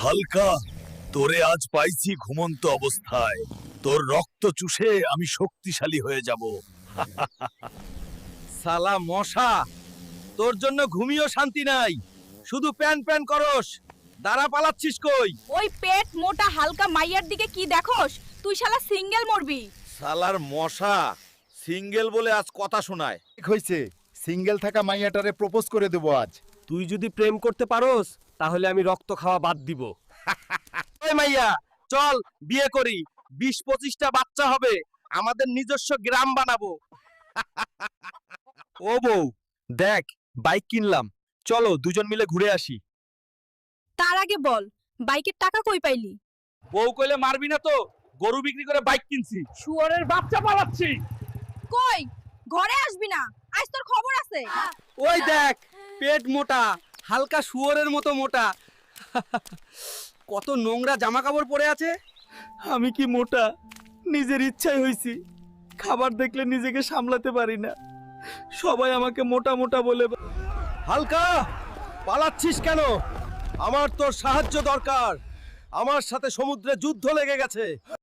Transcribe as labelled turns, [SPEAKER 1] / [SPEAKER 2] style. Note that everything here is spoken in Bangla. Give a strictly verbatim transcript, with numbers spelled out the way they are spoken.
[SPEAKER 1] হালকা, তোরে আজ পাইছি ঘুমন্ত অবস্থায়। তোর রক্ত চুষে আমি শক্তিশালী হয়ে যাব।
[SPEAKER 2] সালা মশা, তোর জন্য ঘুমিয়েও শান্তি নাই, শুধু প্যান প্যান করস। দাঁড়া, পালাচ্ছিস কই?
[SPEAKER 3] ওই পেট মোটা হালকা মাইয়ার দিকে কি দেখোস? তুই শালা সিঙ্গেল মরবি।
[SPEAKER 2] সালার মশা, সিঙ্গেল বলে আজ কথা শোনায়।
[SPEAKER 4] ঠিক হইছে, সিঙ্গেল থাকা মাইয়াটারে প্রপোজ করে দেব আজ।
[SPEAKER 5] তুই যদি প্রেম করতে পারোস তাহলে আমি রক্ত খাওয়া বাদ দিব।
[SPEAKER 2] ওই মাইয়া, চল বিয়ে করি, বিশ পঁচিশটা বাচ্চা হবে, আমাদের নিজস্ব গ্রাম বানাবো।
[SPEAKER 5] ও বউ, দেখ বাইক কিনলাম, চলো দুজন মিলে ঘুরে আসি।
[SPEAKER 3] তার আগে বল, বাইকের টাকা কই পাইলি?
[SPEAKER 2] বউ কইলে মারবি না তো? গরু বিক্রি করে বাইক কিনছি। শুয়োরের বাচ্চা পালাচ্ছি।
[SPEAKER 3] কই, ঘরে আসবি না, আজ তোর খবর আছে।
[SPEAKER 5] ওই দেখ, পেট মোটা, হালকা শুয়োরের মতো মোটা। কত নোংরা জামা কাপড় পরে আছে। আমি কি মোটা? নিজের ইচ্ছাই হইছি। খাবার দেখলে নিজেকে সামলাতে পারি না, সবাই আমাকে মোটা মোটা বলে।
[SPEAKER 2] হালকা, পালাচ্ছিস কেন? আমার তোর সাহায্য দরকার। আমার সাথে সমুদ্রে যুদ্ধ লেগে গেছে।